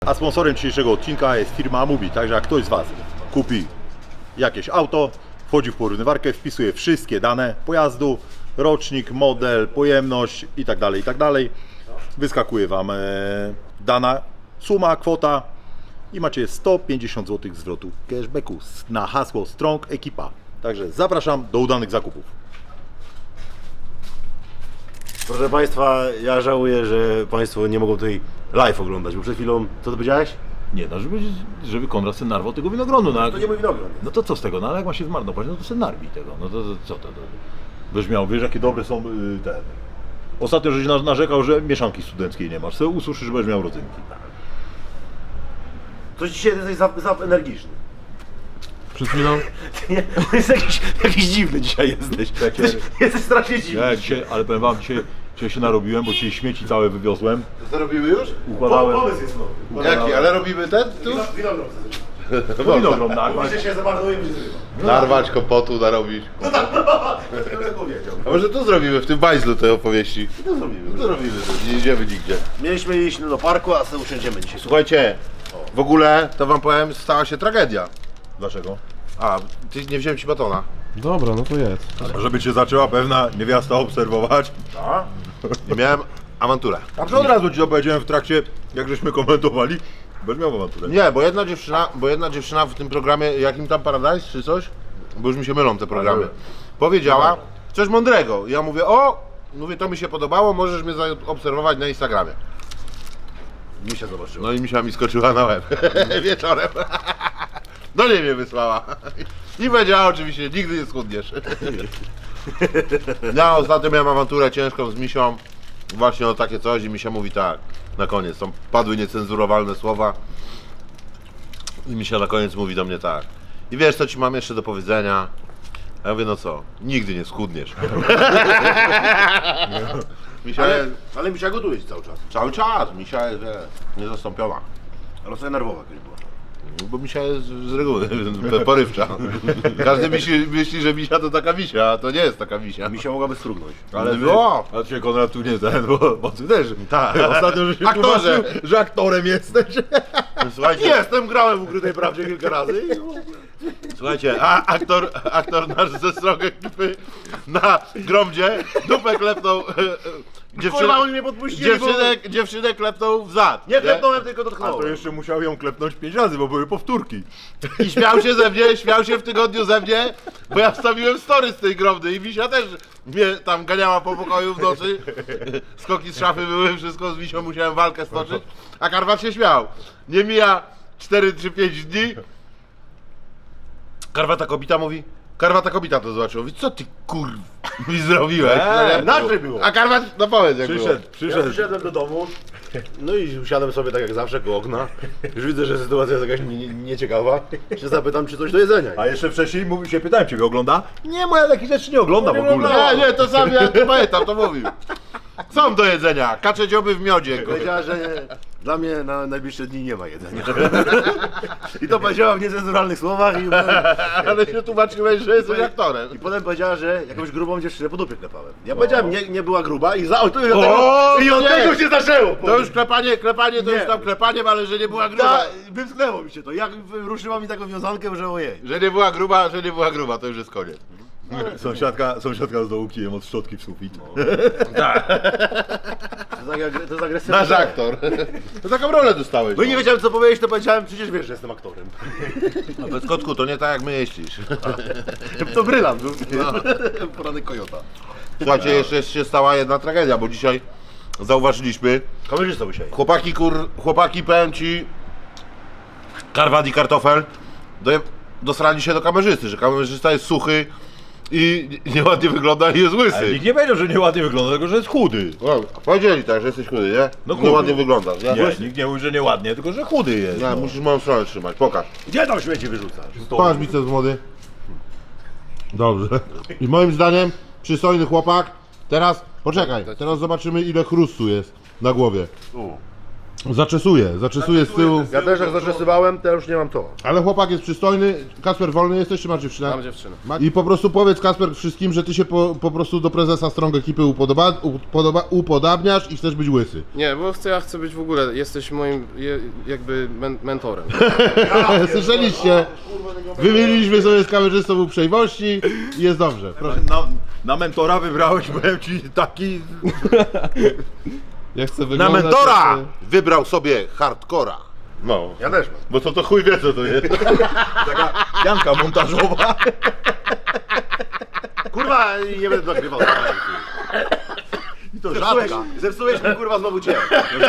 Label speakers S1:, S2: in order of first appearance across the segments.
S1: A sponsorem dzisiejszego odcinka jest firma Amubi, także jak ktoś z Was kupi jakieś auto, wchodzi w porównywarkę, wpisuje wszystkie dane pojazdu, rocznik, model, pojemność itd., wyskakuje Wam dana suma, kwota i macie 150 zł zwrotu cashbacku na hasło Strong Ekipa. Także zapraszam do udanych zakupów.
S2: Proszę Państwa, ja żałuję, że Państwo nie mogą tutaj live oglądać, bo przed chwilą, co Ty powiedziałeś?
S1: Nie, no żeby Konrad sobie narwał tego winogronu. No,
S2: To nie mój winogron.
S1: no to co z tego, no ale jak ma się zmarnować, no to sobie narwij tego, no to co to? Byś miał, wiesz jakie dobre są te... Ostatnio żeś narzekał, że mieszanki studenckiej nie masz, sobie ususzysz, będziesz miał rodzynki.
S2: Coś dzisiaj jesteś za energiczny.
S1: Przed chwilą?
S2: Jest jakiś dziwny dzisiaj jesteś. Jesteś strasznie dziwny.
S1: Ja dzisiaj, ale powiem Wam, dzisiaj się narobiłem, bo dzisiaj śmieci całe wywiozłem.
S3: To robimy już?
S1: Układałem...
S2: Pomysł jest nowy.
S3: Jaki? Ale robimy ten tu?
S2: Winogron.
S1: Winogron narwać.
S2: Się zamarnuje, będzie zrywa.
S3: Narwać, kompotu narobić.
S2: Kto powiedział?
S3: A może tu zrobimy, w tym bajzlu tej opowieści?
S2: To zrobimy.
S3: To robimy, nie idziemy nigdzie.
S2: Mieliśmy iść do parku, a sobie usiądziemy dzisiaj.
S3: Słuchajcie, w ogóle to wam powiem, stała się tragedia.
S1: Dlaczego?
S3: A, ty nie wziąłem ci batona.
S4: Dobra, no to jest.
S1: Żeby Cię zaczęła pewna niewiasta obserwować.
S3: Nie miałem awanturę.
S1: A przy od razu Ci to powiedziałem w trakcie, jak żeśmy komentowali, będziesz miał awanturę.
S3: Nie, bo jedna dziewczyna w tym programie, jakim tam Paradise czy coś, bo już mi się mylą te programy, powiedziała coś mądrego. Ja mówię, mówię, to mi się podobało, możesz mnie zaobserwować na Instagramie.
S2: Misia zobaczyła.
S3: No i misia mi skoczyła na łeb wieczorem. Do niej mnie wysłała. I powiedziała oczywiście, nigdy nie schudniesz. Ja ostatnio miałem awanturę ciężką z misią. Właśnie o takie coś i misia mówi tak. Na koniec, tam padły niecenzurowalne słowa. I misia na koniec mówi do mnie tak. I wiesz co ci mam jeszcze do powiedzenia? A ja mówię, no co? Nigdy nie schudniesz. Misia jest,
S2: Ale Misia gotuje ci cały czas.
S3: cały czas, misia jest niezastąpiona.
S2: Ale sobie nerwowa kiedyś była.
S3: Bo misia jest z reguły porywcza. Każdy myśli, że misia to taka misia, a to nie jest taka misia.
S2: Misia mogłaby strugnąć.
S1: Ale
S3: No.
S1: a Cię Konrad tu nie ten, bo Ty też.
S3: Tak.
S1: Ostatnio, że się
S3: Aktorze.
S1: tłumaczył, że aktorem jesteś.
S3: Słuchajcie,
S2: Jestem, grałem w Ukrytej Prawdzie kilka razy.
S3: słuchajcie, a aktor nasz ze Strong Ekipy na gromdzie dupę klepnął
S2: Kurwa, oni mnie podpuścili,
S3: dziewczynę klepnął w zad.
S2: Nie klepnąłem, tylko
S1: A to
S2: dotknąłem.
S1: jeszcze musiał ją klepnąć 5 razy, bo były powtórki.
S3: I śmiał się ze mnie, śmiał się w tygodniu ze mnie, bo ja wstawiłem story z tej gromdy i Misia też mnie tam ganiała po pokoju w nocy. Skoki z szafy były, wszystko z Misią musiałem walkę stoczyć, a Karwat się śmiał. Nie mija 4 czy 5 dni. Karwata kobita to zobaczyła. Mówi, co ty mi zrobiłeś?
S2: Inaczej było.
S3: A Karwat, no powiedz jak było.
S2: Ja
S1: Przyszedł.
S2: przyszedłem do domu, no i usiadłem sobie tak jak zawsze koło okna. Już widzę, że sytuacja jest jakaś nieciekawa. Się zapytam, czy coś do jedzenia.
S1: A jeszcze wcześniej się pytałem, Ciebie ogląda? Nie, moja takich rzeczy nie ogląda w ogóle.
S3: Nie, to sam ja to pamiętam, to mówił. Są do jedzenia, kacze dzioby w miodzie. kurwa.
S2: Powiedziała, że dla mnie na najbliższe dni nie ma jedzenia. I to powiedziała w niecenzuralnych słowach
S3: Ale się tłumaczyłeś, że jesteś aktorem.
S2: i potem powiedziała, że jakąś grubą dziewczynę po dupie klepałem. Ja powiedziałem, nie była gruba i od
S3: nie.
S2: tego się zaczęło.
S3: To już klepanie to
S2: Nie.
S3: już tam klepaniem, ale że nie była gruba.
S2: Wymsknęło mi się to. Jak ruszyła mi taką wiązankę, że ojej.
S3: Że nie była gruba, to już jest koniec.
S1: Sąsiadka z dołu kijem od szczotki w sufit.
S2: To jest agresywne.
S3: Nasz aktor. To taką rolę dostałeś.
S2: No i nie wiedziałem co powiedzieć, to powiedziałem, przecież wiesz, że jestem aktorem.
S3: No bez kotku, to nie tak jak my jeździsz.
S2: To brylant był. Poranek kojota.
S3: Słuchajcie, jeszcze się stała jedna tragedia, bo dzisiaj zauważyliśmy,
S2: Kamerzysta dzisiaj.
S3: chłopaki powiem ci, Karwat i Kartofel dosrali się do kamerzysty, że kamerzysta jest suchy i nieładnie wygląda i jest
S1: Ale
S3: łysy.
S1: nikt nie powiedział, że nieładnie wygląda, tylko że jest chudy.
S3: No, powiedzieli tak, że jesteś chudy, nie?
S1: No chudy.
S3: Nieładnie wyglądasz, nie?
S1: Nie, nikt nie mówi, że nieładnie, tylko że chudy jest.
S3: Nie,
S1: No.
S3: musisz moją stronę trzymać, pokaż.
S2: Gdzie tam śmieci wyrzucasz?
S3: Patrz biceps młody. Dobrze. I moim zdaniem przystojny chłopak. Teraz, poczekaj, teraz zobaczymy ile chrustu jest na głowie. Zaczesuję z tyłu.
S2: Ja też jak zaczesywałem, to już nie mam to.
S3: Ale chłopak jest przystojny. Kasper, wolny jesteś czy masz dziewczynę?
S4: Mam dziewczynę.
S3: I po prostu powiedz, Kasper, wszystkim, że ty się po prostu do prezesa Strong ekipy upodabniasz i chcesz być łysy.
S4: Nie, bo ja chcę być w ogóle, jesteś moim jakby mentorem.
S3: Słyszeliście? Wymieniliśmy sobie z kamerzystą uprzejmości i jest dobrze. Proszę.
S1: Na mentora wybrałeś, powiem ci, taki...
S5: Ja chcę
S3: Na
S5: wyglądać
S3: mentora
S5: jak-
S3: wybrał sobie hardcora.
S1: No,
S2: Ja też mam.
S1: bo to chuj wie co to jest. Taka pianka montażowa.
S2: Kurwa, nie będę nagrywał.
S1: I to rzadka.
S2: Zepsułeś mi kurwa znowu dzień.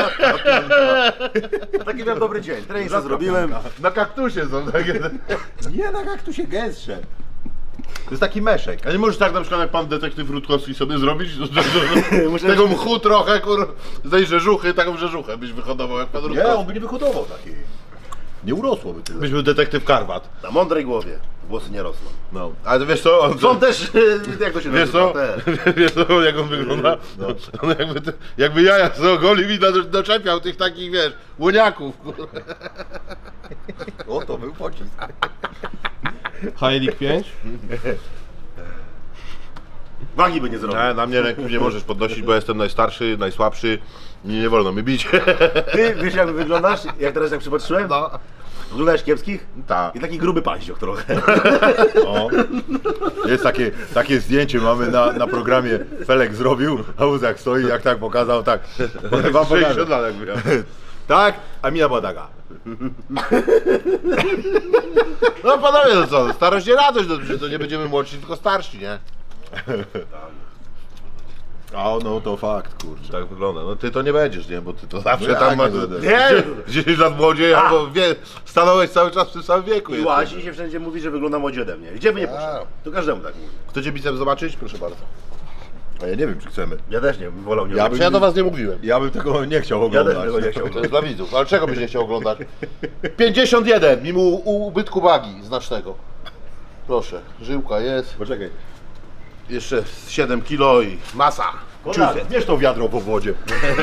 S2: Taki miałem dobry dzień. Trening sobie zrobiłem.
S3: Na kaktusie są takie.
S1: Nie, tak jak tu się gęstsze. To jest taki meszek.
S3: A nie możesz tak na przykład jak pan detektyw Rutkowski sobie zrobić? Z tego mchu trochę, z tej rzeżuchy, taką rzeżuchę byś wyhodował jak pan
S1: Nie,
S3: Rutkowski.
S1: on by nie wyhodował takiej. Nie urosłoby tyle. Byś był detektyw Karwat.
S2: Na mądrej głowie włosy nie rosną.
S1: No.
S3: Ale wiesz co? On
S2: Są też, jak to się
S3: Wiesz
S2: nazywa?
S3: co?
S2: Te.
S3: Wiesz co, jak on wygląda? On jakby jaja z ogolił i doczepiał tych takich, wiesz, łoniaków.
S1: O, to był pocisk.
S5: Heilig 5?
S2: Wagi by nie zrobił.
S3: Nie, na mnie ręku nie możesz podnosić, bo jestem najstarszy, najsłabszy i nie wolno mi bić.
S2: Ty wiesz jak wyglądasz? Jak teraz jak przypatrzyłem?
S3: No.
S2: Wyglądałeś kiepskich?
S3: Tak.
S2: I taki gruby paździoch trochę.
S1: O. Jest takie zdjęcie mamy na programie. Felek zrobił, a Uzak stoi, jak tak pokazał, tak. Wam
S3: 60 lat jakby miał.
S1: Tak, a mina była taka.
S3: No panowie, no co, starość nie radość, no, że to nie będziemy młodsi, tylko starsi, nie?
S1: A no to fakt, kurczę.
S3: Tak wygląda. No ty to nie będziesz, nie? Bo ty to zawsze
S1: No
S3: tam
S1: jak
S3: masz
S1: nie będę?
S2: Nie!
S3: 10 lat młodziej, albo stanąłeś cały czas w tym samym wieku.
S2: I
S3: jesteś.
S2: łazi się wszędzie mówi, że wygląda młodzi ode mnie. Gdzie by nie poszedł? To każdemu tak mówi.
S3: Chcecie bicep zobaczyć? Proszę bardzo.
S1: A ja nie wiem, czy chcemy.
S2: Ja też nie bym wolał nie
S1: Ja
S2: robić.
S3: Ja do was nie mówiłem.
S1: Ja bym tego nie chciał
S2: Ja
S1: oglądać.
S2: też tego nie chciałbym.
S3: To jest dla widzów. Ale czego byś nie chciał oglądać? 51, mimo ubytku wagi znacznego. Proszę, żyłka jest.
S1: Poczekaj.
S3: Jeszcze 7 kilo i masa.
S1: Konrad, bierz to wiadro po wodzie.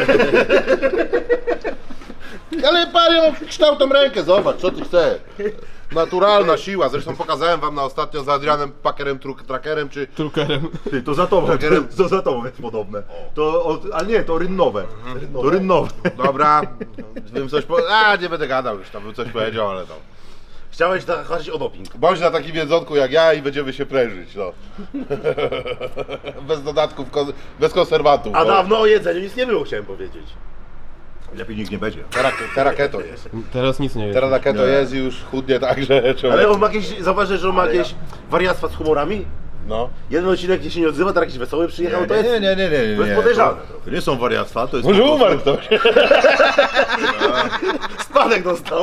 S3: Ale panie, mam kształtą rękę, zobacz, co ty chcesz. Naturalna siła, zresztą pokazałem wam na ostatnio z Adrianem Packerem, Trackerem, czy...
S5: Trukerem.
S1: Ty, to za tobą, to za tobą jest podobne. Ale nie, to rynnowe. To rynnowe.
S3: Dobra, bym coś nie będę gadał już, tam bym coś powiedział, ale to...
S2: Chciałeś zahaczyć o doping.
S3: Bądź na takim jedzonku jak ja i będziemy się prężyć, no. Bez dodatków, bez konserwatów.
S2: A
S3: bo
S2: dawno o jedzeniu nic nie było, chciałem powiedzieć.
S1: Lepiej nikt nie będzie.
S3: Teraz keto jest.
S5: Teraz nic nie jest.
S3: Teraz na keto
S1: Nie.
S3: jest i już chudnie tak, że człowiek...
S2: Ale on ma jakieś, zauważysz, że on ma jakieś wariactwa z humorami?
S3: No.
S2: Jeden odcinek gdzie się nie odzywa, teraz jakiś wesoły przyjechał, to jest...
S1: Nie.
S2: To jest podejrzane.
S1: To nie są wariactwa, to jest...
S3: Może
S1: po prostu-
S3: umarł ktoś.
S2: Spadek dostał.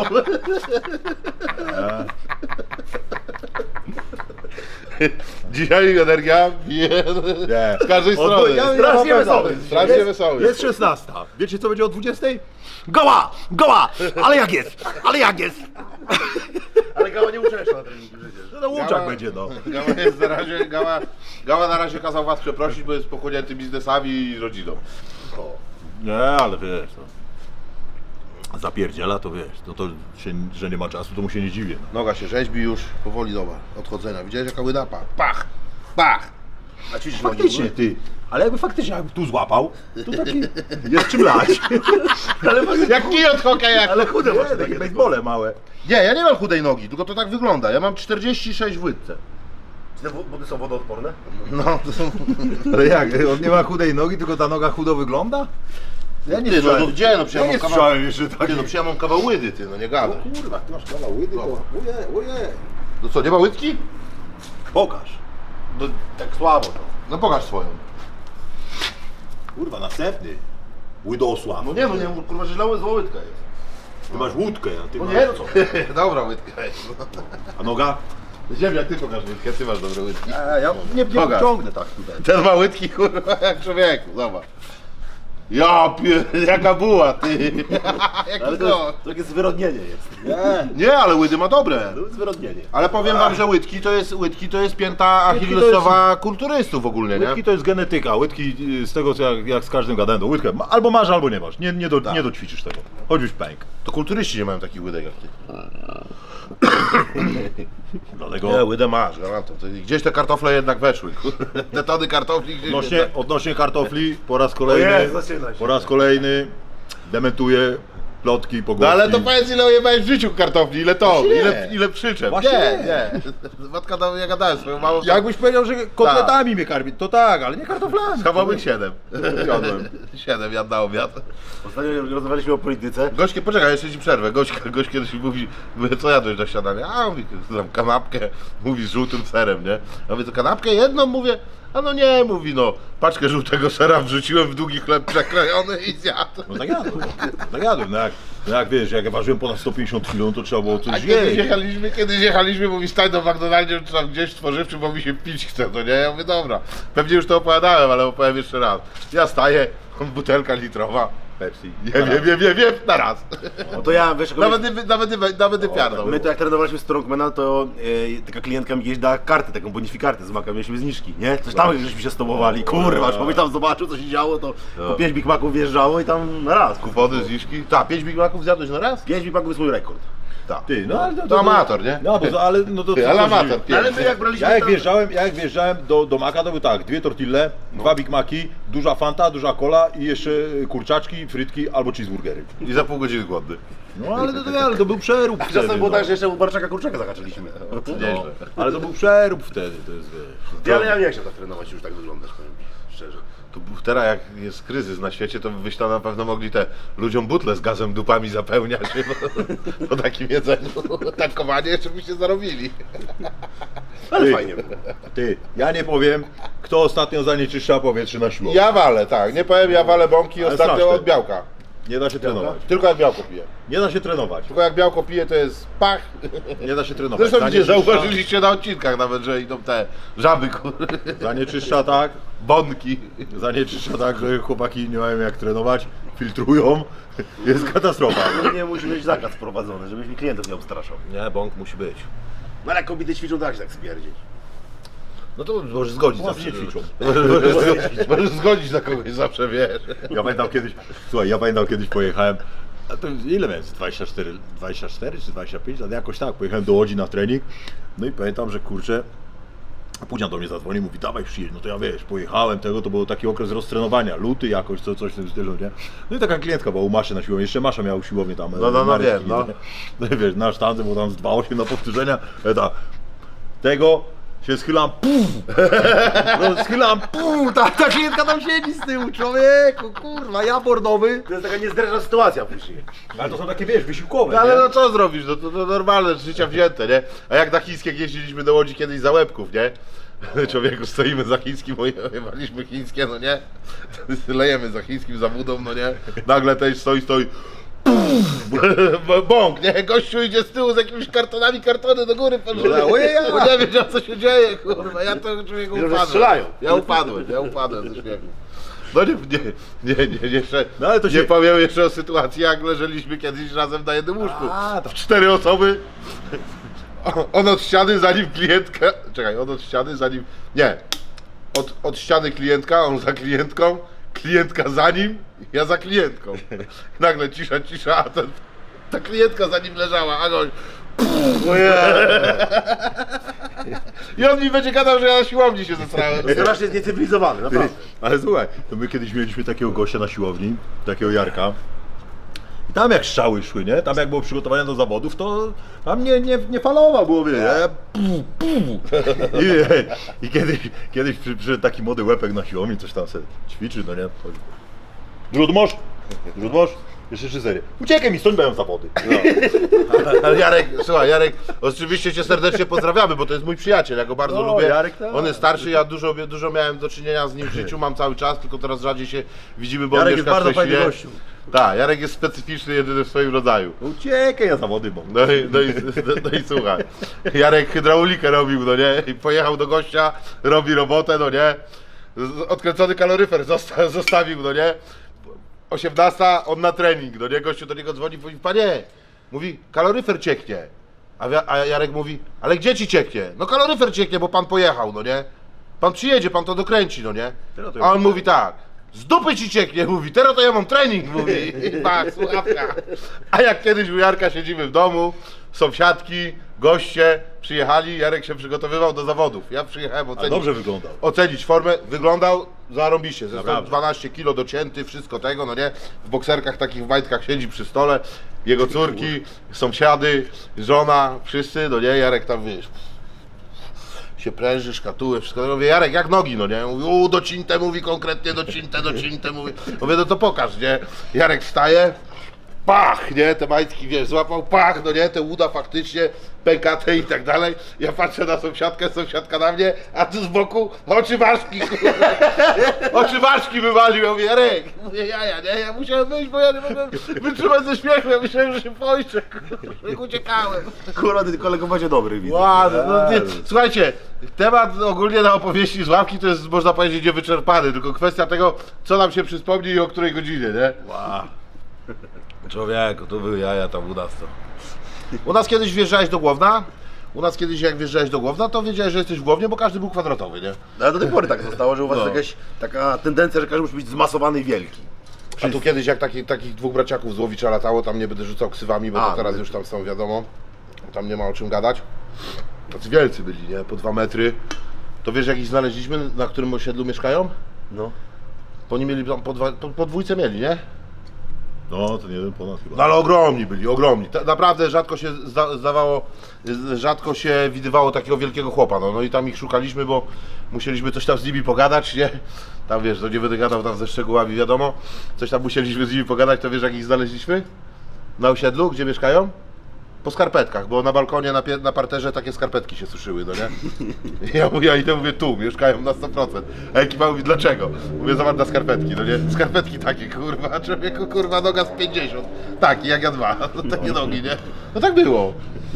S3: Dzisiaj energia bije
S1: Nie.
S3: z każdej strony.
S2: Strasznie wesoły.
S3: Strasznie wesoły.
S1: Jest 16. Wiecie co będzie o 20?
S2: Goła! Goła! Ale jak jest? Ale jak jest? Ale Gała nie uczęszcza na treningi przecież.
S1: No na łączach będzie, no.
S3: Gała jest na razie, Gała na razie kazał was przeprosić, bo jest pochłonięty biznesami i rodziną.
S1: Nie, ale wiesz, no. Zapierdziela to wiesz, to się, że nie ma czasu, to mu się nie dziwię.
S3: Noga się rzeźbi już, powoli doba, odchodzenia. Widziałeś jaka łydapa? Pach! Pach!
S2: A ćwiczysz nogi?
S1: Faktycznie, ty. Ale jakby faktycznie jakby tu złapał, to taki jest czym lać.
S3: Jak kij od hokeja!
S2: Ale chude
S1: Nie,
S2: właśnie
S1: takie
S2: takie.
S1: basebole małe.
S3: Nie, ja nie mam chudej nogi, tylko to tak wygląda. Ja mam 46 w łydce.
S2: Czy te buty są wodoodporne?
S3: No, to są...
S1: Ale jak, on nie ma chudej nogi, tylko ta noga chudo wygląda? Ja nie
S3: Ty, no,
S1: słyszałem.
S3: no gdzie? No przecież
S1: Ja
S3: ja
S1: nie
S3: mam kawał...
S1: słyszałem jeszcze tak.
S3: Ty, no przecież ja mam kawał łydy, ty, no nie gadaj.
S1: Kurwa, ty masz kawał łydy, to ojej.
S3: No co, nie ma łydki?
S1: Pokaż.
S2: No tak słabo to.
S3: No pokaż swoją.
S1: Kurwa, następny. Łydosław.
S2: No nie, kurwa, że zła łydka jest.
S1: Ty masz łódkę, a ty
S2: No
S1: masz...
S2: nie, no co?
S3: Dobra łydka jest.
S1: A noga?
S3: Ziemia, ty pokaż łydkę, ty masz dobre łydki.
S1: Ja nie
S3: Pokaż.
S1: ciągnę tak tutaj.
S3: Ten ma łydki, kurwa, jak człowieku, zobacz. Ja jaka była, ty.
S2: Ale to takie zwyrodnienie jest.
S3: Nie, ale łydy ma dobre.
S2: To jest zwyrodnienie.
S3: Ale powiem wam, że łydki to jest pięta achillesowa kulturystów ogólnie, nie?
S1: Łydki to jest genetyka, łydki z tego co jak z każdym gadałem, to łydkę albo masz, albo nie masz, nie doćwiczysz tego, choćbyś pęk.
S3: To kulturyści nie mają takich łydek jak ty.
S1: Dlatego
S3: Nie, łydę masz, garantuję. Gdzieś te kartofle jednak weszły, kurde. Te tony kartofli gdzieś
S1: odnośnie kartofli, po raz kolejny dementuję plotki,
S3: No
S1: pogłoski.
S3: ale to powiedz, ile ojebałeś w życiu kartofli, ile to, ile przyczep.
S1: Właśnie
S3: Nie. Matka, ja gadałem swoją mamą.
S1: Jakbyś powiedział, że kotletami mnie karmi, to tak, ale nie kartoflami.
S3: Schowałbych 7.
S1: Jadłem.
S3: 7 jadł na obiad.
S2: Ostatnio rozmawialiśmy o polityce.
S3: Gośkie, poczekaj, jeszcze ci przerwę. Gość kiedyś mówi, mówię, co jadłeś na śniadanie? A mówi, tam kanapkę, mówi z żółtym serem, nie? Ja mówię, to kanapkę jedną? Mówię, a no nie, mówi, no, paczkę żółtego sera wrzuciłem w długi chleb przekrojony i zjadł.
S1: No tak jadłem, no jak wiesz, jak ja ważyłem ponad 150 kg, to trzeba było
S3: A
S1: coś
S3: kiedyś jechaliśmy, mówi, stań do McDonaldzie, czy tam gdzieś spożywczym, bo mi się pić chce, to nie? Ja mówię, dobra, pewnie już to opowiadałem, ale opowiem jeszcze raz. Ja staję, butelka litrowa,
S1: Pepsi.
S3: wiem, na raz.
S2: No to ja, wiesz,
S3: Nawet nie piardą.
S2: my to jak trenowaliśmy Strongmana, to taka klientka mi kiedyś dała kartę, taką bonifikartę z Maka, mieliśmy zniżki, nie? Coś tam żeśmy się stobowali, kurwa, człowiek tam zobaczył, co się działo, to po 5 Big Maców wjeżdżało i tam na raz.
S3: Kupony, zniżki. Tak, 5 Big Maców zjadłeś na raz?
S2: 5 Big Maców jest mój rekord.
S3: Tak.
S1: Ty, no ale
S3: To amator, nie?
S1: No, ale no to
S3: Ty, ale amator,
S2: Ale my jak braliśmy
S1: Ja jak wjeżdżałem do Maka, to był tak, 2 tortille, 2 Big Maci, duża Fanta, duża cola i jeszcze kurczaczki, frytki albo cheeseburgery.
S3: I za pół godziny głodny.
S1: No ale to był przerób
S2: Czasem
S1: wtedy,
S2: było
S1: no.
S2: tak, że jeszcze u Barczaka kurczaka zahaczyliśmy.
S1: No, ale to był przerób wtedy, to jest wiesz.
S2: Ale ja nie chciał tak trenować, już tak wyglądać, powiem ci szczerze.
S3: To teraz jak jest kryzys na świecie, to byś tam na pewno mogli te ludziom butle z gazem dupami zapełniać po takim jedzeniu. Tankowanie jeszcze byście zarobili.
S2: Ale fajnie było.
S1: Ty, ja nie powiem, kto ostatnio zanieczyszcza powietrze na siłowni.
S3: Ja walę, tak, nie powiem, ja walę bąki
S1: Ale
S3: ostatnio
S1: znasz
S3: od
S1: ten.
S3: białka.
S1: Nie da się trenować.
S3: Tylko jak białko piję.
S1: Nie da się trenować.
S3: Tylko jak białko piję, to jest pach.
S1: Nie da się trenować.
S3: Zresztą gdzie
S1: Zanieczyszcza-
S3: zauważyliście na odcinkach nawet, że idą te żaby, kurde,
S1: Zanieczyszcza tak,
S3: bąki.
S1: zanieczyszcza tak, że chłopaki nie mają jak trenować, filtrują, jest katastrofa.
S2: Nie musi być zakaz wprowadzony, żebyś mi klientów nie obstraszał.
S1: Nie, bąk musi być.
S2: No ale jak kobiety ćwiczą, tak się tak spierdzieć.
S3: No to możesz zgodzić
S1: Chłopcy
S3: zawsze.
S1: nie ćwiczą.
S3: Możesz zgodzić na kogoś zawsze, wiesz.
S1: Ja pamiętam kiedyś pojechałem, a to ile miałem, 24 czy 25, ale jakoś tak, pojechałem do Łodzi na trening, no i pamiętam, że kurczę, Pudzian do mnie zadzwonił, mówi dawaj przyjedź, no to ja wiesz, pojechałem tego, to był taki okres roztrenowania, luty jakoś, coś w tym stylu, nie? No i taka klientka była u Maszy na siłowni, jeszcze Masza miała siłownię tam,
S3: No,
S1: Marek
S3: wiem,
S1: i-
S3: no.
S1: No i wiesz, na sztandze, bo tam z 2,8 na powtórzenia, tego się schylam, no schylam, ta klientka tam siedzi z tyłu, człowieku, kurwa, ja bordowy.
S2: To jest taka niezręczna sytuacja później.
S1: Ale to są takie, wiesz, wysiłkowe,
S3: No ale
S1: nie?
S3: no co zrobisz, no to normalne, z życia wzięte, nie? A jak na chińskie jeździliśmy do Łodzi kiedyś za łebków, nie? Człowieku, stoimy za chińskim, jewaliśmy chińskie, no nie? Lejemy za chińskim, za budą, no nie? Nagle też stoi, bąk, nie? Gościu idzie z tyłu z jakimiś kartony do góry, bo nie wiedział co się dzieje, kurwa, ja to człowieku
S2: Że
S3: upadłem.
S2: strzelają.
S3: Ja upadłem ze śmiechu. No nie, jeszcze,
S1: No ale to się-
S3: nie powiem jeszcze o sytuacji, jak leżeliśmy kiedyś razem na jednym łóżku.
S1: A, to-
S3: 4 osoby, on od ściany, zanim klientka, on od ściany, zanim, nie, od ściany klientka, on za klientką, klientka za nim, ja za klientką. Nagle cisza, a ta klientka za nim leżała, a goś, i on mi będzie gadał, że ja na siłowni się zesrałem.
S2: Strasznie zniecywilizowany, naprawdę.
S1: Ale słuchaj, to my kiedyś mieliśmy takiego gościa na siłowni, takiego Jarka. I tam jak strzały szły, nie? Tam jak było przygotowanie do zawodów, to tam nie falował, było, wie, I kiedyś przyszedł taki młody łepek na siłowni, coś tam sobie ćwiczy, no nie? Rzut moż, jeszcze 3 serie. Uciekaj mi stąd, mają zawody.
S3: Ale Jarek, słuchaj, Jarek, oczywiście cię serdecznie pozdrawiamy, bo to jest mój przyjaciel, ja go bardzo
S1: No,
S3: lubię.
S1: Jarek, tak.
S3: On jest starszy, ja dużo miałem do czynienia z nim w życiu, mam cały czas, tylko teraz rzadziej się widzimy, bo
S1: Jarek
S3: on
S1: jest
S3: mieszka w
S1: bardzo
S3: Szczecinie.
S1: fajny gościu.
S3: Tak, Jarek jest specyficzny, jedyny w swoim rodzaju.
S1: Uciekaj na zawody, bo.
S3: No i słuchaj, Jarek hydraulikę robił, no nie, i pojechał do gościa, robi robotę, no nie, odkręcony kaloryfer zostawił, no nie, 18, on na trening, no nie, gościu do niego dzwoni, mówi, panie, mówi, kaloryfer cieknie. A Jarek mówi, ale gdzie ci cieknie? No kaloryfer cieknie, bo pan pojechał, no nie? Pan przyjedzie, pan to dokręci, no nie? A on mówi tak, z dupy ci cieknie, mówi, teraz to ja mam trening, mówi. Tak, słuchawka. A jak kiedyś u Jarka siedzimy w domu, sąsiadki, goście przyjechali, Jarek się przygotowywał do zawodów. Ja przyjechałem ocenić.
S1: dobrze wyglądał.
S3: Ocenić formę, wyglądał zarąbiście, ze
S1: Naprawdę.
S3: 12 kilo docięty, wszystko tego, no nie? W bokserkach takich w majtkach siedzi przy stole, jego córki, sąsiady, żona, wszyscy, no nie? Jarek tam, wiesz, się pręży, szkatuły, wszystko. Ja mówię, Jarek, jak nogi, no nie? Mówi, docinte, mówi konkretnie, docinte, mówi. Mówię, no to pokaż, nie? Jarek wstaje, pach, nie? Te majtki, wiesz, złapał pach, no nie? Te uda faktycznie, pękate i tak dalej. Ja patrzę na sąsiadkę, sąsiadka na mnie, a tu z boku oczy ważki, oczy ważki wywalił. Ja mówię, Jarek, mówię, jaja, nie? Ja musiałem wyjść, bo ja nie mogłem wytrzymać ze śmiechu. Ja myślałem, że się poiszczę, jak uciekałem.
S2: Kurwa, ty kolego będzie dobry, widzę.
S3: Ładno, no, nie. Słuchajcie, temat ogólnie na opowieści z ławki to jest, można powiedzieć, niewyczerpany, tylko kwestia tego, co nam się przyspomni i o której godzinie, nie?
S2: Wow. Człowieku, tu były jaja, tam udasto.
S3: U nas kiedyś wjeżdżałeś do Głowna, jak wjeżdżałeś do Głowna, to wiedziałeś, że jesteś w Głownie, bo każdy był kwadratowy, nie?
S2: Ale do tej pory tak zostało, że u was
S3: No.
S2: jest jakaś taka tendencja, że każdy musi być zmasowany i wielki.
S3: A tu kiedyś jak takich dwóch braciaków z Łowicza latało, tam nie będę rzucał ksywami, bo
S2: A,
S3: to teraz
S2: no.
S3: już tam są, wiadomo, tam nie ma o czym gadać. Tacy wielcy byli, nie? Po 2 metry. To wiesz, jak ich znaleźliśmy, na którym osiedlu mieszkają?
S2: No.
S3: Bo oni mieli tam po dwójce mieli, nie?
S1: No, to nie jeden ponad chyba.
S3: No ale ogromni byli, ogromni. Naprawdę rzadko się rzadko się widywało takiego wielkiego chłopa, no i tam ich szukaliśmy, bo musieliśmy coś tam z nimi pogadać, nie? Tam wiesz, to nie będę gadał tam ze szczegółami, wiadomo. Coś tam musieliśmy z nimi pogadać, to wiesz, jak ich znaleźliśmy? Na osiedlu, gdzie mieszkają? Po skarpetkach, bo na balkonie, na parterze takie skarpetki się suszyły, no nie? Ja idę, mówię, tu, mieszkają na 100%. A ekipa mówi, dlaczego? Mówię, zobacz na skarpetki, no nie? Skarpetki takie, kurwa, człowieku, kurwa, noga z 50. Taki, jak ja 2, takie nogi, nie? No tak było.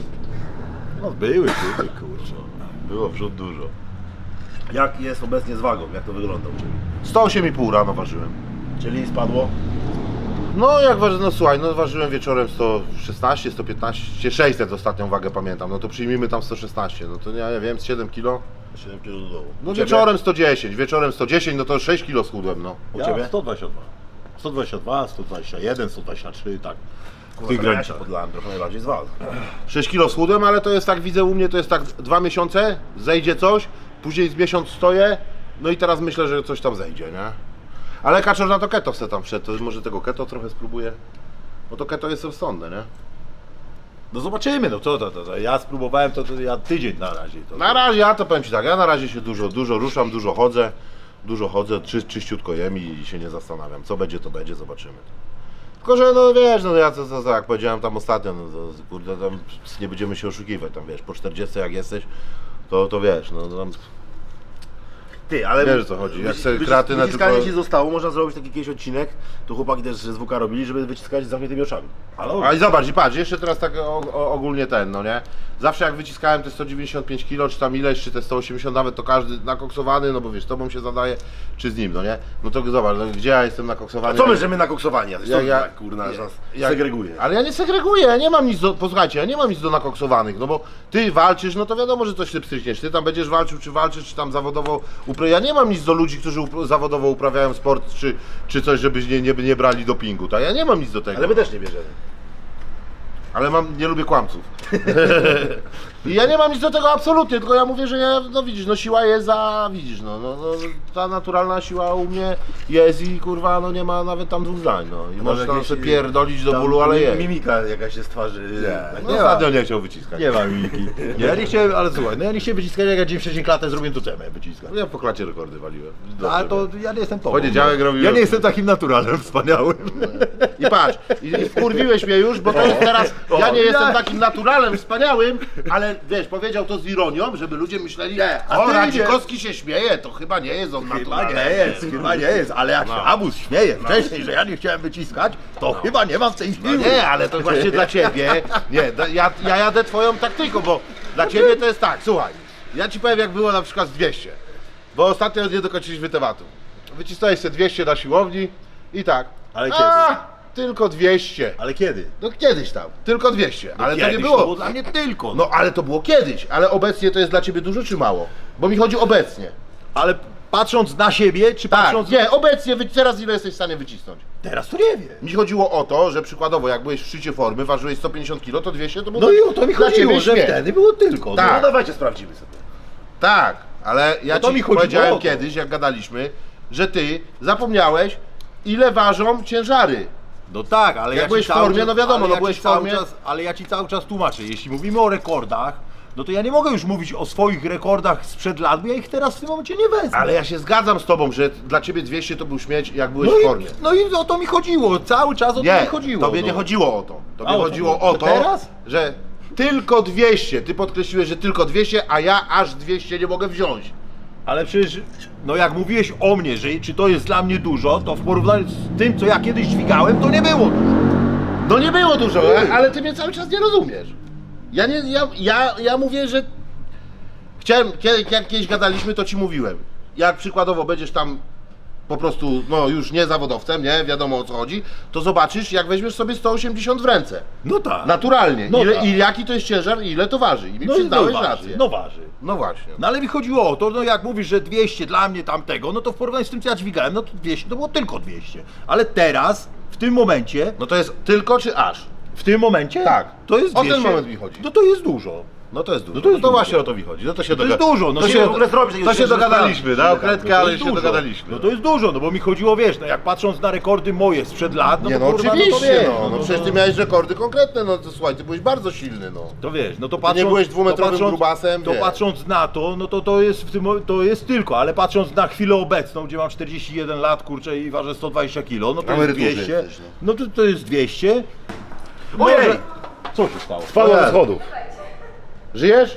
S1: No były, kurczę. Było wrzut dużo.
S2: Jak jest obecnie z wagą? Jak to wygląda u ciebie?
S3: 108,5 rano ważyłem.
S2: Czyli spadło?
S3: No jak ważyłem, no słuchaj, no ważyłem wieczorem 116, 115, 600 ostatnią wagę pamiętam, no to przyjmijmy tam 116, no to ja wiem, z 7 kilo.
S2: 7 kg do dołu.
S3: No
S2: U ciebie?
S3: wieczorem 110, no to 6 kilo schudłem, no.
S2: U ciebie?
S1: 122. 122, 121, 123, tak. W
S2: Kurwa,
S1: tych
S2: ja się
S1: granicach.
S2: podlałem trochę najbardziej z was.
S3: 6 kilo schudłem, ale to jest tak, widzę u mnie, to jest tak 2 miesiące, zejdzie coś, później z miesiąc stoję, no i teraz myślę, że coś tam zejdzie, nie? Ale Kaczor na to keto se tam wszedł, to może tego keto trochę spróbuję. Bo to keto jest rozsądne, nie?
S1: No zobaczymy, no co to. Ja spróbowałem to ja tydzień na razie. To.
S3: Na razie, ja to powiem Ci tak, ja na razie się dużo ruszam, dużo chodzę, czyściutko jem i się nie zastanawiam. Co będzie, to będzie, zobaczymy. Tylko, że no wiesz, no ja co jak powiedziałem tam ostatnio, no to kurde, tam nie będziemy się oszukiwać, tam wiesz, po 40 jak jesteś, to wiesz, no tam
S2: Ty, ale...
S3: wiesz o co chodzi, jak sobie kreatynę
S2: Wyciskanie
S3: tylko...
S2: ci zostało, można zrobić taki jakiś odcinek, tu chłopaki też z WK robili, żeby wyciskać z zamkniętymi oczami.
S3: A i zobacz, i patrz, jeszcze teraz tak ogólnie ten, no nie? Zawsze jak wyciskałem te 195 kg, czy tam ileś, czy te 180 nawet, to każdy nakoksowany, no bo wiesz, tobą się zadaje, czy z nim, no nie? No to zobacz, no, gdzie ja jestem nakoksowany?
S2: Co my, że my nakoksowani?
S3: Ja-
S2: Tak, kurna, że nas segreguje.
S3: Ale ja nie segreguję, ja nie mam nic do, posłuchajcie, ja nie mam nic do nakoksowanych, no bo ty walczysz, no to wiadomo, że coś ty pstrykniesz, ty tam będziesz walczył, czy walczysz, czy tam zawodowo ja nie mam nic do ludzi, którzy zawodowo uprawiają sport, czy coś, żeby nie brali dopingu, tak? Ja nie mam nic do tego.
S2: Ale my też nie bierzemy.
S3: Ale nie lubię kłamców. I ja nie mam nic do tego absolutnie, tylko ja mówię, że ja, no widzisz, no siła jest widzisz, no, ta naturalna siła u mnie jest i kurwa, no nie ma nawet tam dwóch zdań, no. I
S2: Może
S3: możesz tam
S2: jakieś,
S3: sobie pierdolić do
S2: tam
S3: bólu, ale jest.
S2: Mimika jakaś się z twarzy.
S3: No ostatnio nie chciał wyciskać.
S1: Nie ma mimiki. Ja nie chciałem, ale słuchaj, no ja nie chciałem wyciskać, jak ja dzień wcześniej klatę zrobiłem, to co ja miałem wyciskać?
S3: Ja po klacie rekordy waliłem.
S1: A to ja nie jestem tobą.
S3: Poniedziałek robiłem.
S1: Ja nie jestem takim naturalnym, wspaniałym.
S3: I patrz, i wkurwiłeś mnie już, bo to jest teraz, ja nie jestem takim naturalem, wspaniałym, ale wiesz, powiedział to z ironią, żeby ludzie myśleli,
S1: a
S3: o,
S1: ty
S3: Radzikowski się śmieje, to chyba nie jest on
S1: Chyba
S3: naturalny.
S1: chyba nie jest, ale jak się Abus śmieje wcześniej, że ja nie chciałem wyciskać, to chyba nie mam w tej siły.
S3: Nie, ale to właśnie dla ciebie, nie, ja jadę twoją taktyką, bo dla ciebie to jest tak, słuchaj, ja ci powiem jak było na przykład z 200, bo ostatnio nie dokończyliśmy tematu. Wycisnąłeś sobie 200 na siłowni i tak,
S1: Ale kiedy?
S3: Tylko 200.
S1: Ale kiedy?
S3: No kiedyś tam, tylko 200, ale to nie
S1: Kiedyś
S3: było.
S1: To było dla mnie tylko.
S3: No ale to było kiedyś, ale obecnie to jest dla ciebie dużo czy mało? Bo mi chodzi obecnie.
S1: Ale patrząc na siebie, czy
S3: Tak,
S1: patrząc...
S3: nie, obecnie, teraz ile jesteś w stanie wycisnąć?
S1: Teraz to nie wiem.
S3: Mi chodziło o to, że przykładowo jak byłeś w szczycie formy, ważyłeś 150 kg, to 200 to było
S1: No i o to mi
S3: dla
S1: chodziło,
S3: ciebie
S1: że
S3: śmiech.
S1: wtedy było tylko.
S3: Tak.
S2: No dawajcie, sprawdzimy sobie.
S3: Tak, ale ja
S1: No to
S3: ci
S1: mi chodziło
S3: powiedziałem
S1: o to.
S3: kiedyś, jak gadaliśmy, że ty zapomniałeś, ile ważą ciężary.
S1: No tak, ale
S3: Jak
S1: ja
S3: byłeś
S1: ci
S3: w
S1: cały
S3: formie,
S1: czas-
S3: no wiadomo,
S1: ale
S3: no
S1: ja
S3: byłeś
S1: ci
S3: w
S1: cały
S3: formie.
S1: czas- Ale ja ci cały czas tłumaczę, jeśli mówimy o rekordach, no to ja nie mogę już mówić o swoich rekordach sprzed lat, bo ja ich teraz w tym momencie nie wezmę.
S3: Ale ja się zgadzam z tobą, że dla ciebie 200 to był śmieć, jak byłeś
S1: no
S3: w formie.
S1: no i o to mi chodziło, cały czas o to
S3: Nie,
S1: mi chodziło.
S3: tobie
S1: no.
S3: nie chodziło o to. Tobie
S1: A, o to
S3: chodziło
S1: chodziło.
S3: o to,
S1: Teraz?
S3: że tylko 200. Ty podkreśliłeś, że tylko 200, a ja aż 200 nie mogę wziąć.
S1: Ale przecież, no jak mówiłeś o mnie, że czy to jest dla mnie dużo, to w porównaniu z tym, co ja kiedyś dźwigałem, to nie było dużo.
S3: No nie było dużo, ale ty mnie cały czas nie rozumiesz. Ja mówię, że chciałem, jak kiedyś gadaliśmy, to ci mówiłem. Jak przykładowo będziesz tam po prostu, no już nie zawodowcem, nie, wiadomo o co chodzi, to zobaczysz, jak weźmiesz sobie 180 w ręce.
S1: No tak.
S3: Naturalnie.
S1: No
S3: Ile,
S1: tak.
S3: I jaki to jest ciężar i ile to waży. I mi
S1: no
S3: przyznałeś
S1: waży,
S3: rację.
S1: No waży.
S3: No właśnie.
S1: No ale mi chodziło o to, no jak mówisz, że 200 dla mnie tamtego, no to w porównaniu z tym, co ja dźwigałem, no to 200 to było tylko 200. Ale teraz, w tym momencie,
S3: No to jest tylko czy aż?
S1: w tym momencie,
S3: Tak.
S1: to jest
S3: O ten
S1: 200.
S3: moment mi chodzi.
S1: No to jest dużo.
S3: No to jest dużo.
S1: No to jest dużo.
S3: właśnie o to mi chodzi. No to się
S1: To jest dużo, no
S3: to
S1: się
S3: się,
S1: w ogóle
S2: zrobić takiego
S3: to się
S2: ciężaru
S3: dogadaliśmy,
S2: sprawy.
S3: na okretkę,
S1: No to
S3: ale
S1: jest
S3: się
S1: dużo.
S3: dogadaliśmy.
S1: No to jest dużo, no bo mi chodziło, wiesz, no jak patrząc na rekordy moje sprzed lat, no
S3: Nie
S1: to
S3: no
S1: kurwa,
S3: oczywiście,
S1: no to wiesz,
S3: no przecież ty miałeś rekordy konkretne, no to słuchaj, ty byłeś bardzo silny, no.
S1: To wiesz, no to
S3: nie
S1: patrząc...
S3: byłeś dwumetrowym
S1: to patrząc-
S3: grubasem,
S1: To
S3: wiesz.
S1: patrząc na to, no to jest w tym, to jest tylko, ale patrząc na chwilę obecną, gdzie mam 41 lat, kurczę, i ważę 120 kg, no to jest
S3: emeryturze
S1: 200.
S3: jesteś,
S1: No to jest 200.
S2: Ojej!
S1: Może- Co się stało?
S3: Spadła ze schodów. Żyjesz?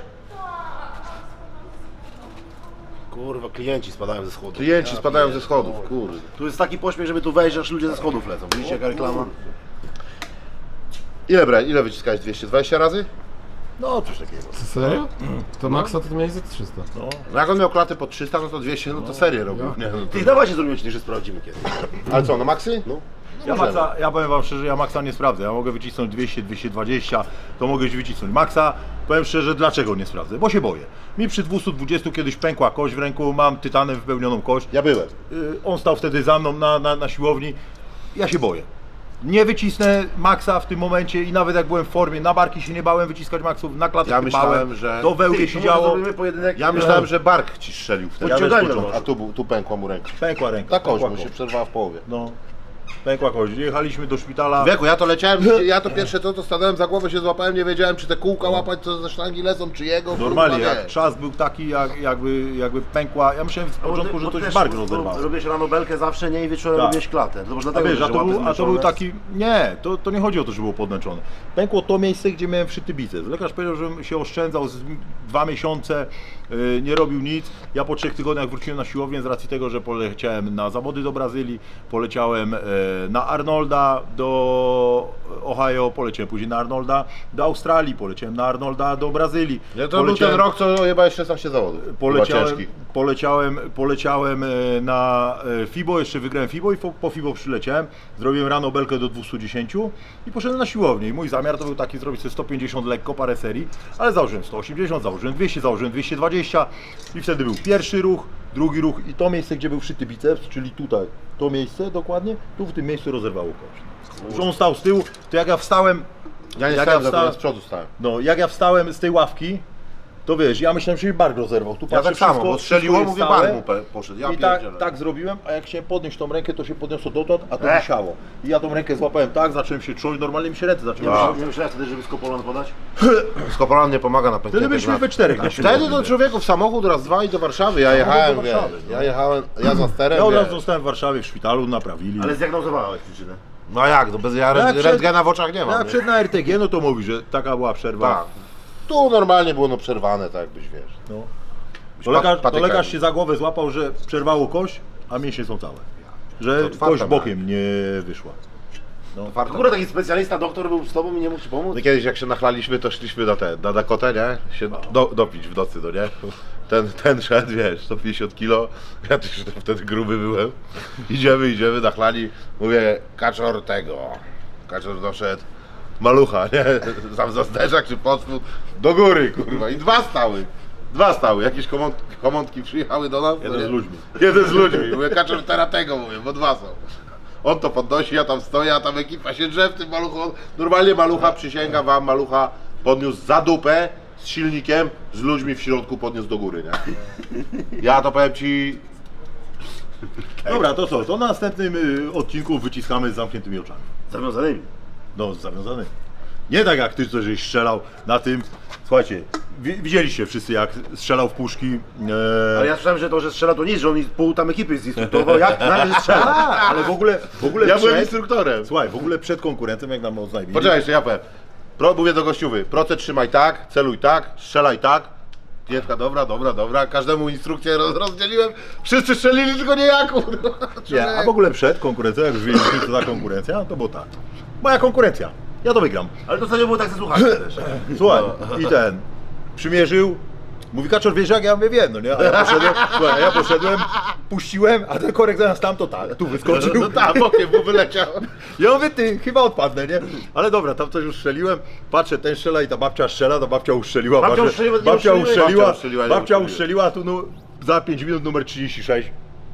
S2: Kurwa, klienci spadają ze schodów.
S3: Klienci spadają ze schodów, kurde.
S2: Tu jest taki pośpiech, żeby tu wejść, aż ludzie ze schodów lecą. Widzicie jaka reklama?
S3: Ile wyciskałeś? 220 razy?
S1: No coś takiego.
S5: Serio? To Maxa to miałeś za 300.
S3: No jak on miał klatę po 300, no to 200, no to serię robił. Nie, no to...
S2: Ty dawajcie zrobimy odcinek, że sprawdzimy kiedyś.
S3: Ale co, no maksy? No.
S1: Ja powiem wam szczerze, ja Maxa nie sprawdzę. Ja mogę wycisnąć 200, 220, to mogę już wycisnąć. Maxa, powiem szczerze, dlaczego nie sprawdzę? Bo się boję. Mi przy 220 kiedyś pękła kość w ręku, mam tytanem wypełnioną kość.
S3: Ja byłem.
S1: On stał wtedy za mną na siłowni. Ja się boję. Nie wycisnę Maxa w tym momencie i nawet jak byłem w formie, na barki się nie bałem wyciskać Maxów, na klatę
S3: Ja
S1: się
S3: myślałem,
S1: bałem,
S3: że-
S1: to wełbie
S2: Ty,
S1: się
S2: to może
S1: działo,
S2: zrobimy pojedynek.
S3: Ja myślałem, że bark ci strzelił wtedy.
S2: Podciągajmy
S3: Ja też
S2: może.
S3: A tu pękła mu ręka.
S1: pękła ręka.
S3: Ta kość
S1: pękła
S3: mu się
S1: kość.
S3: przerwała w połowie.
S1: No, pękła kość. Jechaliśmy do szpitala.
S3: Wieku, ja to leciałem, ja to pierwsze to stanąłem za głowę, się złapałem, nie wiedziałem czy te kółka łapać, co ze sztangi lecą, czy jego.
S1: Normalnie,
S3: kurwa,
S1: jak
S3: wiesz.
S1: trzask był taki, jakby pękła. Ja myślałem z początku, że to się bark rozerwało.
S2: Robisz rano belkę zawsze, nie? I wieczorem
S1: Tak.
S2: robisz klatę. To może
S1: A
S2: dlatego,
S1: wiesz,
S2: że
S1: a to
S2: łapy
S1: był
S2: zmęczone.
S1: taki. Nie, to nie chodzi o to, że było podmęczone. Pękło to miejsce, gdzie miałem wszyty biceps. Lekarz powiedział, żebym się oszczędzał z 2 miesiące, nie robił nic. Ja po 3 tygodniach wróciłem na siłownię z racji tego, że poleciałem na zawody do Brazylii, poleciałem na Arnolda do Ohio, poleciałem później na Arnolda do Australii, poleciałem na Arnolda do Brazylii.
S3: Nie, to był ten rok, co chyba jeszcze 16 zawodów.
S1: Poleciałem na FIBO, jeszcze wygrałem FIBO i po FIBO przyleciałem, zrobiłem rano belkę do 210 i poszedłem na siłownię. I mój zamiar to był taki zrobić sobie 150 lekko, parę serii, ale założyłem 180, założyłem 200, założyłem 220 i wtedy był pierwszy ruch, drugi ruch i to miejsce, gdzie był wszyty biceps, czyli tutaj, to miejsce dokładnie, tu w tym miejscu rozerwało kość. Że on stał z tyłu, to jak ja wstałem,
S3: Ja nie
S1: jak
S3: stałem,
S1: ja
S3: ja
S1: wstałem-
S3: z przodu stałem.
S1: no jak ja wstałem z tej ławki, to wiesz, ja myślałem, że mi bark rozerwał. Tu
S3: Ja
S1: patrzę,
S3: tak samo,
S1: wszystko-
S3: bo strzeliło,
S1: wszystko jest
S3: mówię,
S1: stałe.
S3: bark mu poszedł. Ja
S1: I tak,
S3: pierdzielę.
S1: tak zrobiłem, a jak chciałem podnieść tą rękę, to się podniosło dotąd, a to wisiało. I ja tą rękę złapałem tak, zacząłem się trząść, normalnie mi się ręce zaczęły
S3: Ja.
S2: Nie myślałem wtedy, żeby skopolan podać?
S3: Skopolan nie pomaga na pękniętych
S1: Wtedy byliśmy we czterech na
S3: Wtedy
S1: siłowni,
S3: to
S1: wiesz.
S3: człowieku w samochód raz, dwa i do Warszawy. Ja jechałem,
S1: do Warszawy,
S3: wiesz,
S1: no.
S3: ja za sterem,
S1: Ja od razu
S3: wiesz.
S1: zostałem w Warszawie, w szpitalu, naprawili.
S2: Ale zdiagnozowałeś przyczynę.
S3: No a jak, no bez ja
S1: jak przed-
S3: rentgena w oczach nie
S1: jak
S3: mam. nie?
S1: przed na RTG, no to mówi, że taka była przerwa.
S3: Tak. Tu normalnie było no przerwane, tak jakbyś wiesz.
S1: No.
S3: Byś
S1: To lekarz
S3: patykami.
S1: się za głowę złapał, że przerwało kość, a mięśnie są całe. Że
S3: To otwarta
S1: kość
S3: miała.
S1: bokiem nie wyszła.
S3: Farta.
S2: Akurat taki specjalista, doktor był z tobą i nie mógł ci pomóc?
S3: No kiedyś jak się nachlaliśmy, to szliśmy na Dakotę, nie? Się dopić w nocy, no nie? ten szedł, wiesz, 150 kilo, ja też wtedy gruby byłem. Idziemy na chlani, mówię, kaczor tego. Kaczor doszedł, malucha, nie? Sam za zderzak czy podspód, do góry, kurwa. I dwa stały, jakieś komątki przyjechały do nas.
S1: Jeden z ludźmi.
S3: Jeden z ludźmi, mówię, kaczor teraz tego, mówię, bo dwa są. On to podnosi, ja tam stoję, a tam ekipa się drze w tym maluchu. Normalnie malucha, przysięgam wam, malucha podniósł za dupę z silnikiem, z ludźmi w środku podniósł do góry, nie? Ja to powiem ci,
S1: Dobra, to co? To na następnym odcinku wyciskamy z zamkniętymi oczami.
S2: Zawiązanymi.
S1: No, zawiązany. Nie tak jak ty, co żeś strzelał na tym. Słuchajcie, widzieliście wszyscy, jak strzelał w puszki.
S2: Ale ja słyszałem, że to, że strzela to nic, że on pół tam ekipy zinstruktował, jak na razie strzela.
S1: Ale w ogóle
S3: ja byłem
S1: przed,
S3: instruktorem.
S1: słuchaj, w ogóle przed konkurentem, jak nam oznajmili.
S3: Poczekaj, jeszcze ja powiem. Mówię do gościuwy, procent trzymaj tak, celuj tak, strzelaj tak. Klientka, dobra, każdemu instrukcję rozdzieliłem, wszyscy strzelili, tylko nie ja, kurwa.
S1: Nie, a w ogóle przed konkurencją, jak już wiedzieliśmy, co za konkurencja, to było tak. Moja konkurencja, ja to wygram.
S2: Ale to wtedy było tak ze słuchaczem też.
S1: Słuchaj, i ten przymierzył. Mówi, Kaczor, wiesz jak? Ja mówię, wiem, no nie? A ja poszedłem, puściłem, a ten korek zamiast tam to tak, tu wyskoczył.
S3: No tak, bokiem mu wyleciał.
S1: Ja mówię, ty, chyba odpadnę, nie? Ale dobra, tam coś już strzeliłem, patrzę, ten strzela i ta babcia strzela, to babcia ustrzeliła.
S2: Babcia
S1: patrzę,
S2: ustrzeliła, nie
S1: babcia
S2: ustrzeliła,
S1: ustrzeliła,
S3: nie
S1: babcia
S3: ustrzeliła.
S1: ustrzeliła, tu no, za 5 minut numer 36.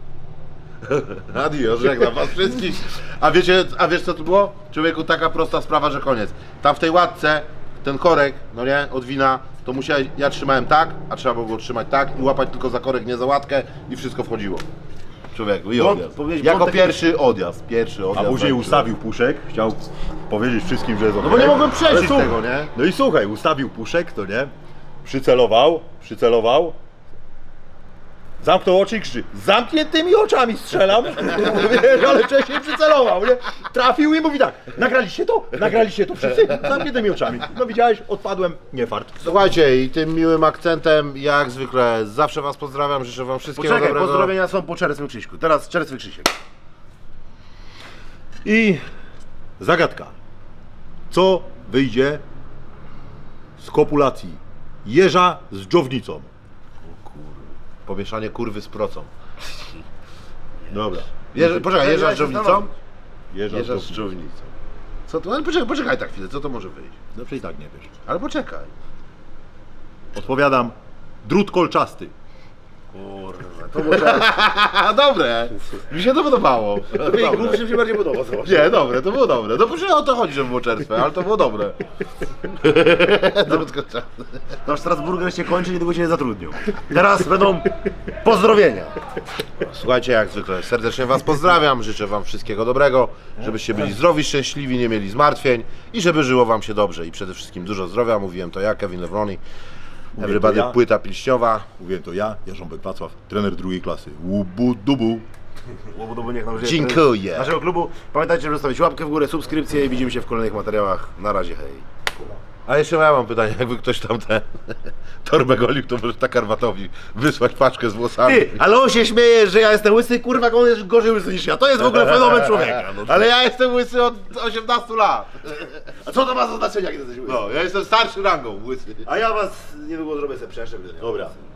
S3: Adios, żegnam was wszystkich. A wiesz co tu było? Człowieku, taka prosta sprawa, że koniec. Tam w tej łatce, ten korek, no nie, od wina, to musiałeś, ja trzymałem tak, a trzeba było go trzymać tak i łapać tylko za korek, nie za łatkę i wszystko wchodziło. Człowieku, i odjazd. Jako pierwszy odjazd,
S1: A później ustawił puszek, chciał powiedzieć wszystkim, że jest
S3: No bo nie mogłem przejść
S1: Ale słuchaj,
S3: tego, nie?
S1: No i słuchaj, ustawił puszek, to nie? Przycelował. Zamknął oczy i krzyczy, z zamkniętymi oczami strzelam, wiesz, ale wcześniej przycelował, nie? Trafił i mówi tak, nagraliście to wszyscy, z zamkniętymi oczami. No widziałeś, odpadłem, nie fart.
S3: Słuchajcie, i tym miłym akcentem, jak zwykle, zawsze was pozdrawiam, życzę wam wszystkiego
S2: Poczekaj,
S3: dobrego.
S2: pozdrowienia są po Czerwcym Krzyśku. Teraz Czerwcy Krzysiek.
S1: I zagadka, co wyjdzie z kopulacji jeża z dżownicą?
S3: Pomieszanie kurwy z procą.
S1: Dobra.
S3: Poczekaj, jeżdża z dżownicą?
S1: Jeża
S3: Jeżdża z
S1: z dżownicą.
S3: dżownicą. Co to? Ale poczekaj tak chwilę, co to może wyjść?
S1: No przecież i tak nie wiesz.
S3: Ale poczekaj.
S1: Odpowiadam, drut kolczasty.
S2: To może...
S3: Dobre, mi się to podobało.
S2: Głupszy mi się bardziej podoba.
S3: Nie, dobre, to było dobre. No przecież o to chodzi, żeby było czerstwe, ale to było dobre.
S2: Nasz Strasburger się kończy, niedługo się nie zatrudnią. Teraz będą pozdrowienia.
S3: Słuchajcie, jak zwykle, serdecznie was pozdrawiam, życzę wam wszystkiego dobrego, żebyście byli zdrowi, szczęśliwi, nie mieli zmartwień i żeby żyło wam się dobrze i przede wszystkim dużo zdrowia. Mówiłem to ja, Kevin Lewroni, Everybody
S1: to ja.
S3: płyta pilśniowa.
S1: Mówiłem to ja, Jarząbek Wacław, trener drugiej klasy. Łubu dubu.
S2: Łobudobu niech nam żyje.
S3: Dziękuję.
S2: Naszego klubu. Pamiętajcie, żeby zostawić łapkę w górę, subskrypcję i widzimy się w kolejnych materiałach. Na razie, hej.
S3: A jeszcze ja mam pytanie, jakby ktoś tam ten torbę golił, to może tak Karwatowi wysłać paczkę z włosami.
S2: Ty, ale on się śmieje, że ja jestem łysy, kurwa, on jest gorzej łysy niż ja. To jest w ogóle fenomen człowieka. No,
S3: Ale ja jestem łysy od 18 lat.
S2: a co to ma za znaczenie, jak jesteś łysy?
S3: No, ja jestem starszy rangą łysy.
S2: A ja was niedługo zrobię sobie przeszczep.
S1: Dobra,